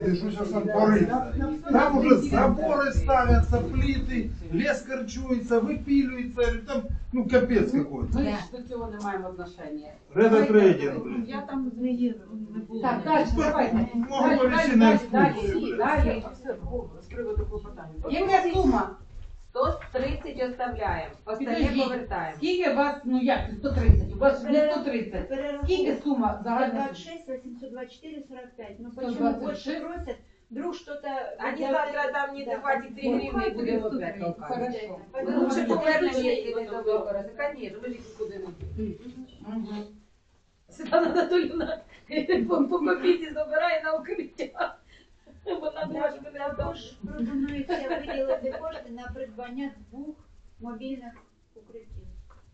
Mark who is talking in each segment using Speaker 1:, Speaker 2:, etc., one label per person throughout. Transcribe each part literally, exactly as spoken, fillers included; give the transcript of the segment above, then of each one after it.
Speaker 1: Что сейчас там порыться? Там уже заборы ставятся, плиты, лес корчуется, выпиливается, там, ну, капец какой-то.
Speaker 2: Ми ж до цього не маємо отношення.
Speaker 1: Редотрейдинг, блин.
Speaker 3: Я там не їду, не було.
Speaker 2: Так, далі, давайте.
Speaker 1: Можу
Speaker 2: Далі,
Speaker 1: перейти
Speaker 2: далі,
Speaker 1: на
Speaker 2: далі,
Speaker 1: екскурсію.
Speaker 2: далі, далі.
Speaker 3: З приводу клопотання.
Speaker 2: Яка сума?
Speaker 4: сто тридцять оставляємо, остальне
Speaker 2: Підождіть.
Speaker 4: повертаємо.
Speaker 2: Скільки у вас, ну як, сто тридцять? У вас ж не сто тридцять. Скільки сума загальна?
Speaker 5: двадцать шесть, восемьсот двадцать четыре, сорок пять. Ну
Speaker 2: сто
Speaker 5: почему
Speaker 2: двадцать
Speaker 5: больше
Speaker 2: шесть?
Speaker 5: просят? Вдруг что-то...
Speaker 4: Они
Speaker 5: я-
Speaker 4: завтра там не
Speaker 5: Да.
Speaker 4: хватит три гривны и будем опять толкать.
Speaker 2: Хорошо.
Speaker 4: Ми лучше повернемо, якщо ви то використати. Звісно, ми ж їх нікуди не діємо.
Speaker 2: Мгм.
Speaker 4: Світлана Анатоліївна по по копійці забирає на укриття. Вона думає, що ми не
Speaker 5: Також пропонується виділити кошти на придбання двох мобільних укриттів.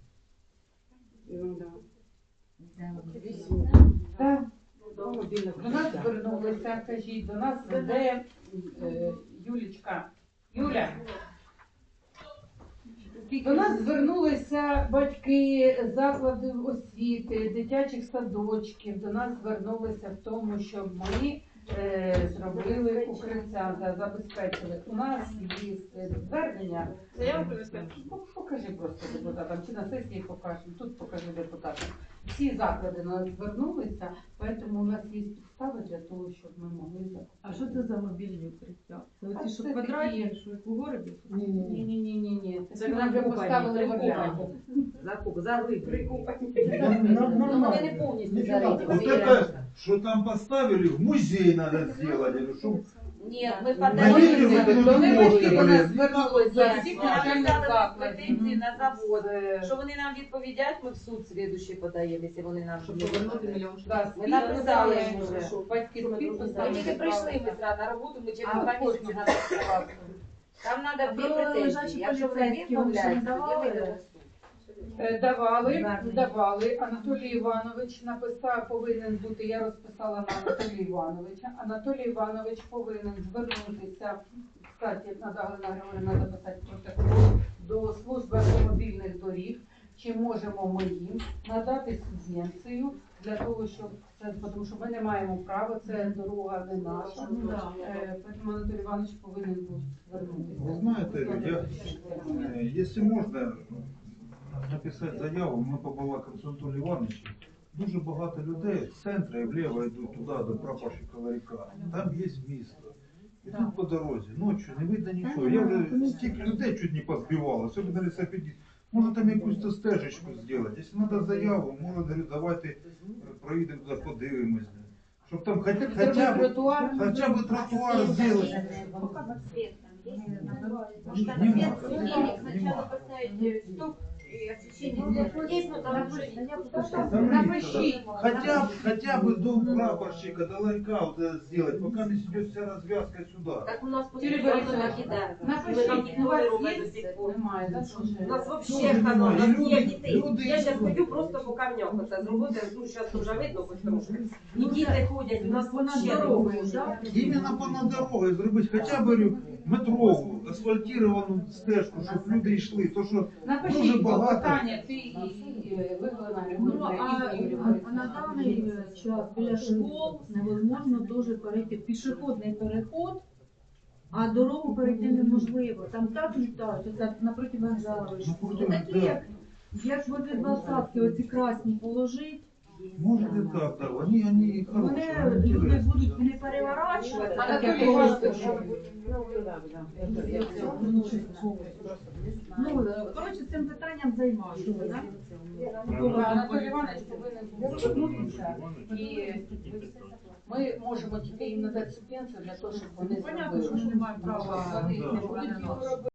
Speaker 2: Так. До нас звернулися, кажіть, до нас веде е, Юлічка. Юля. До нас звернулися батьки закладів освіти, дитячих садочків. До нас звернулися в тому, щоб ми е, зробили укриття, за- забезпечили. У нас є е, звернення.
Speaker 4: Заяву принести?
Speaker 2: Ну, покажи просто депутатам, чи на сесії покажемо, тут покажи депутатам. Всі заклади на нас звернулися, тому у нас є підстави для того, щоб ми могли закупити.
Speaker 3: А що це за мобільні укриття? Це
Speaker 2: А
Speaker 3: оці, що
Speaker 2: це
Speaker 3: квадратні,
Speaker 2: такі-
Speaker 3: що як у городі?
Speaker 2: Ні-ні-ні, це
Speaker 4: Це
Speaker 2: ми вже
Speaker 4: прикупані,
Speaker 2: поставили в
Speaker 4: прикупані.
Speaker 2: оренду.
Speaker 4: Закуп, заглиблені.
Speaker 1: Ну,
Speaker 4: вони не повністю зариті.
Speaker 1: Вот это, что там поставили, в музей надо сделать, или что?
Speaker 4: Ні, ми
Speaker 1: Навіть ви тут
Speaker 2: Вони
Speaker 1: можете,
Speaker 2: батьки до нас
Speaker 1: блін.
Speaker 2: звернулися, всі
Speaker 4: Ми
Speaker 2: навчальних
Speaker 4: написали
Speaker 2: закладів.
Speaker 4: претензії на завод.
Speaker 2: З-
Speaker 4: Що вони нам відповідають, ми в суд слідуючий подаємо, якщо вони нам
Speaker 3: Щоб
Speaker 4: не
Speaker 3: повернути
Speaker 4: відповідають.
Speaker 3: мільйон.
Speaker 2: Да,
Speaker 4: Ми написали
Speaker 2: підписали,
Speaker 4: їм вже.
Speaker 2: що батьки з
Speaker 4: Ми
Speaker 2: підписами.
Speaker 4: тільки прийшли ми зразу на роботу, ми через
Speaker 2: А
Speaker 4: два
Speaker 2: кожного
Speaker 4: місяці надо
Speaker 2: класу.
Speaker 4: Там треба дві
Speaker 3: Про
Speaker 4: претензії.
Speaker 3: лежачі
Speaker 4: Якщо вони
Speaker 3: поліцейські вам ще не
Speaker 4: відмовляються, тоді
Speaker 3: давали?
Speaker 4: ми йдемо в суд.
Speaker 2: Е, Давали,
Speaker 3: Звернення.
Speaker 2: давали. Анатолій Іванович написав, повинен бути, я розписала на Анатолія Івановича. Анатолій Іванович повинен звернутися, кстати, надо Галина Григорівна записати протокол, до служби автомобільних доріг, чи можемо ми їм надати субвенцію для того, щоб це, тому що ми не маємо права, це дорога не наша.
Speaker 3: Ну, да.
Speaker 2: Е, Тому Анатолій Іванович повинен був звернутися.
Speaker 1: Вы знаете, я, э, если можно написать заяву, ми побалакаємо з Анатолієм Івановичем. Дуже багато людей з центру і вліво йдуть туди, до прапорщика Ларіка. Там є місто. Ідуть по дорозі, ночі не видно нічого. Я вже стільки людей чуть не позбивав, особливо лісопедист. Може там якусь то стежечку зробити. Якщо треба заяву, може, говорю, давайте е, проїдемо туди, подивимось. Щоб там хоч-
Speaker 2: Зробити
Speaker 1: хоча б,
Speaker 2: тротуар.
Speaker 1: хоча б тротуар зробити.
Speaker 5: Свет там есть?
Speaker 1: Может,
Speaker 5: Там
Speaker 1: нема,
Speaker 5: свет,
Speaker 1: да,
Speaker 5: денег
Speaker 1: нема.
Speaker 5: сначала поставить э, стоп и освещение. Есть, но там
Speaker 2: Напишіть.
Speaker 1: Хотя, б- хотя бы до прапорщика, до ларька вот это сделать, пока не идет вся развязка сюда.
Speaker 4: Так у нас
Speaker 2: Юрій
Speaker 4: постійно
Speaker 2: Борисович,
Speaker 4: накидають.
Speaker 2: Напишіть,
Speaker 4: Ми
Speaker 2: у
Speaker 4: там
Speaker 2: вас
Speaker 4: ніхто не
Speaker 2: є?
Speaker 4: робить до сих пор.
Speaker 2: Немає, так?
Speaker 4: У нас
Speaker 1: Дуже
Speaker 4: вообще хано, у нас
Speaker 1: немає.
Speaker 4: ніяк
Speaker 1: Люди-
Speaker 4: дітей.
Speaker 1: люди
Speaker 4: Я зараз
Speaker 1: йдуть.
Speaker 4: ходю просто по камням, оце зробити, ну зараз вже видно хоч трошки. І діти ходять, у нас
Speaker 3: Вона
Speaker 4: вообще
Speaker 3: дорогою,
Speaker 4: не
Speaker 3: так?
Speaker 1: Именно понад дорогой зробити хоча б говорю, метрову, асфальтировану стежку, щоб люди йшли. То, що дуже
Speaker 2: Напишіть
Speaker 1: багато.
Speaker 2: питання, ти і і Виглина
Speaker 3: Ну,
Speaker 2: Григорівна,
Speaker 3: а,
Speaker 2: і Юрій
Speaker 3: а
Speaker 2: Борисович.
Speaker 3: на даний час біля школ невозможно дуже перейти пішохідний переход, а дорогу перейти неможливо. Там так літають, оце напроти вокзалу.
Speaker 1: Напроти,
Speaker 3: Такі,
Speaker 1: да.
Speaker 3: як, як возле двадцятки, оці красні положить,
Speaker 1: Може і так, да. Вони, вони хороші,
Speaker 3: вони
Speaker 1: вони
Speaker 3: люди
Speaker 1: інтересні.
Speaker 3: будуть не переворачувати.
Speaker 2: Анатолій
Speaker 3: таке
Speaker 2: Іванович,
Speaker 3: Ну, коротше, цим питанням займаюся. да?
Speaker 2: Анатолій Іванович повинен був звернутися, і ми можемо тільки їм надати субвенцію для того, щоб вони
Speaker 3: Понятно, що
Speaker 2: зробили.
Speaker 3: вони не мають права.
Speaker 2: Вони не будуть його робити.